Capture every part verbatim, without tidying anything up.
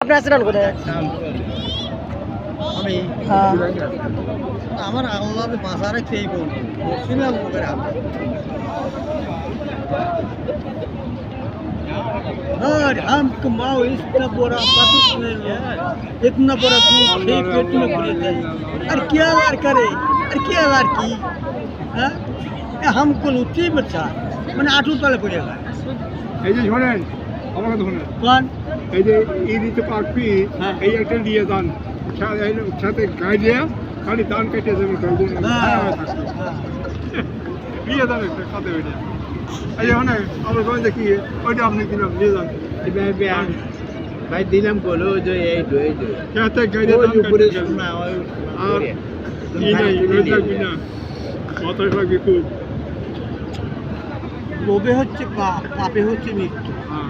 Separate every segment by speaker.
Speaker 1: আপনি আসছেন কোথায়?
Speaker 2: আমি
Speaker 1: হ্যাঁ
Speaker 2: আমার আল্লাহ বাঁচা রাখছে এই বলবো মুসলিম লোকের হাতে और हम कमाओ इतना बड़ा पाकिस में इतना बड़ा दूध खेत पेट में भरे जाए अरे क्या लार करे अरे क्या लार की हाँ हमको लुच्ची बच्चा मैंने आटू तले पड़ेगा
Speaker 3: এই যে শোনেন আমার কথা শোনেন
Speaker 2: कौन
Speaker 3: এই যে এই দিতে পারবি
Speaker 2: হ্যাঁ।
Speaker 3: এই একটা দিয়ে দান সাথে গায়ে দিয়ে খালি দান কেটে দেবেন দিয়ে দান একটা খাতে ওইটা এই যে শোনেন আমার কথা দেখি ওইটা আপনি দিলাম দিয়ে যান
Speaker 2: भाई दिलम बोलो जो ये दो ये दो
Speaker 3: খেতে গায়ে দিয়ে দান
Speaker 2: पूरे
Speaker 3: কেটে
Speaker 2: सुनना और
Speaker 3: আর এই নাই ওই থাকবি না মাথায় থাকবি খুব
Speaker 2: লোভে হচ্ছে পাপ পাপে হচ্ছে মৃত্যু
Speaker 3: হ্যাঁ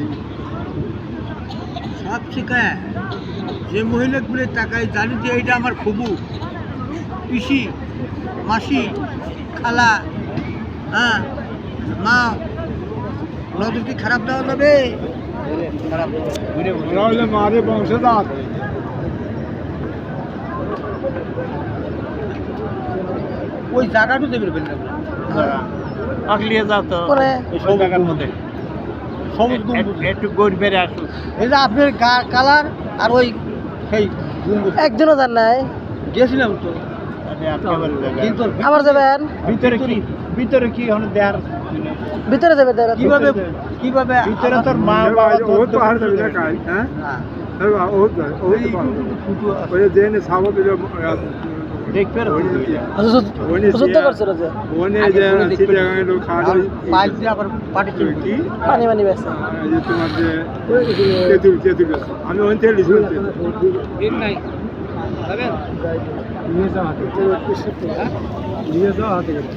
Speaker 2: সব শিখায় যে মহিলাগুলো টাকায় জানি যে এইটা আমার খুবু পিসি মাসি খালা হ্যাঁ মা নজর কি খারাপ দেওয়া যাবে খারাপ
Speaker 3: ওরা হইলে মারে বংশধর
Speaker 2: ওই জায়গাটা দেবে ফেলতে
Speaker 4: আগলিয়ে যাও তো
Speaker 1: করে
Speaker 4: ওই সব জায়গার মধ্যে
Speaker 2: সবুজ
Speaker 4: একটু-
Speaker 2: গম্বুজ
Speaker 4: একটু গোট বেড়ে আসুক
Speaker 2: এই যে আপনার কালার আর ওই সেই গম্বুজ
Speaker 1: একজনও যান নাই,
Speaker 2: গেছিলাম তো কিন্তু
Speaker 1: আবার যাবেন
Speaker 4: ভিতরে কি ভিতরে কি হলো দেয়ার
Speaker 1: ভিতরে যাবে তারা।
Speaker 2: কিভাবে কিভাবে
Speaker 4: ভিতরে তোর মা বাবা
Speaker 3: ও তো হার যাবে না কাল হ্যাঁ
Speaker 2: হ্যাঁ,
Speaker 3: ও ও
Speaker 2: এই টুটু টুটু আছে।
Speaker 3: ওই যে সাবো দিলে
Speaker 4: দেখবে
Speaker 1: যুদ্ধ করছে ওরা যে
Speaker 3: ওনে যে চিটাগাঙ্গে লোক খাওয়া
Speaker 2: আর পাইপ দিয়ে আবার পাটি চলবে
Speaker 3: কি
Speaker 1: পানি মানি বেছে।
Speaker 3: এই যে তোমার যে তেঁতুল তেঁতুল আছে। আমি ওখান থেকে লিখি
Speaker 2: ঠিক নাই যাবেন
Speaker 3: নিয়ে যাও হাতে নিয়ে যাও হাতে করে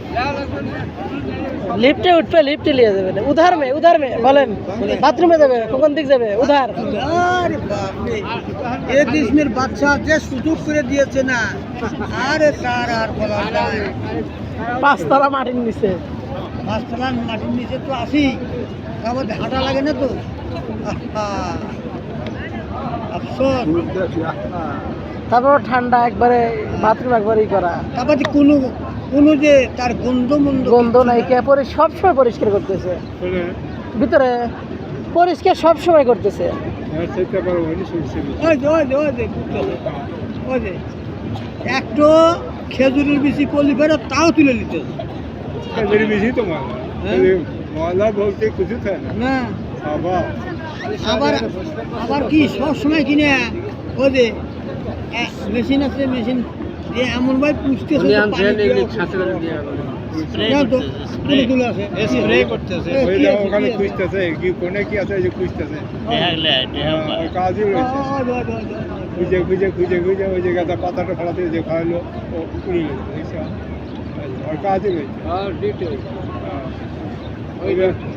Speaker 1: লিফটে উঠবে, লিফটে নিয়ে যাবে না। উধার মে উধার মে বলেন বাথরুমে যাবে, কোন দিক যাবে? উধার।
Speaker 2: আরে বাপ রে এই দেশের বাচ্চা যে সুযোগ করে দিয়েছে না আরে তার আর বলা যায় না।
Speaker 1: পাঁচতলা মাটির নিচে।
Speaker 2: পাঁচতলা মাটির নিচে তো আসি আবার হাঁটা লাগে না তো আহা, আফসোস
Speaker 1: তারপর ঠান্ডা একবারে, বাথরুম একবারেই করা,
Speaker 2: তারপর যে কোনো কোনো যে তার গন্ধ মন্দ
Speaker 1: গন্ধ নাই, কে পরে সবসময় পরিষ্কার করতেছে
Speaker 3: বলে
Speaker 1: ভিতরে, পরিষ্কার সবসময় করতেছে।
Speaker 3: হ্যাঁ সেটা পারো হয়নি শুনছি
Speaker 2: ওই যে ওই যে ওই যে ঘুরতেছে। ওই যে একটু খেজুরের বেশি করলি ফেরত তাও তুলে নিতে
Speaker 3: এদের বেশি তো মালা
Speaker 2: হ্যাঁ?
Speaker 3: মালা বলতে কিছু থাকে না
Speaker 2: না
Speaker 3: বাবা
Speaker 2: আবার আবার কি সব সময় কিনে ওই যে মেশিন আছে মেশিন দিয়ে এমন ভাই পুষতেছে যে পানি দিয়ে যাও তো, তুলে তুলে আছে
Speaker 4: স্প্রে করতেছে
Speaker 2: এ,
Speaker 3: ওই
Speaker 2: কি
Speaker 3: যে
Speaker 2: আছে,
Speaker 3: ওখানে
Speaker 2: কি আছে?
Speaker 3: খুঁজতেছে কি কোনে কি আছে এই যে খুঁজতেছে
Speaker 4: দেখালে
Speaker 3: ওই কাজই
Speaker 2: ও,
Speaker 3: রয়েছে
Speaker 2: ও, ও, ও, ও, ও, ও।
Speaker 3: খুঁজে খুঁজে খুঁজে খুঁজে ওই জায়গাটা পাতাটা ফেলাতে যে খাওয়ালো ও উড়ে গেল দেখছো ওর কাজই রয়েছে
Speaker 2: আর ডিটেল
Speaker 3: হ্যাঁ। ওই যে